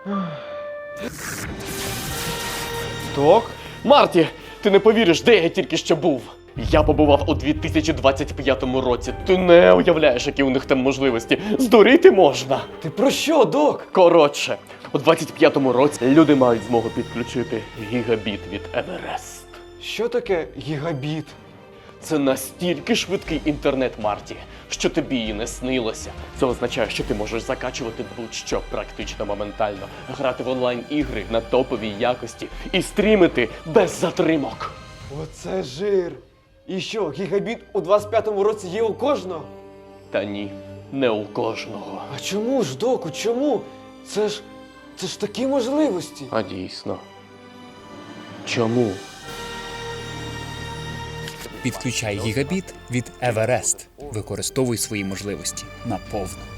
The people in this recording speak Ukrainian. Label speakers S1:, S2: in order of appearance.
S1: Док? Марті, ти не повіриш, де я тільки що був. Я побував у 2025 році. Ти не уявляєш, які у них там можливості. Здуріти можна.
S2: Ти про що, док?
S1: Коротше, у 25-му році люди мають змогу підключити гігабіт від Еверест.
S2: Що таке гігабіт?
S1: Це настільки швидкий інтернет, Марті, що тобі і не снилося. Це означає, що ти можеш закачувати будь-що практично моментально, грати в онлайн-ігри на топовій якості і стрімити без затримок.
S2: Оце жир. І що, гігабіт у 25-му році є у кожного?
S1: Та ні, не у кожного.
S2: А чому ж, доку, чому? Це ж такі можливості.
S1: А дійсно. Чому?
S3: Підключай гігабіт від Еверест. Використовуй свої можливості наповну.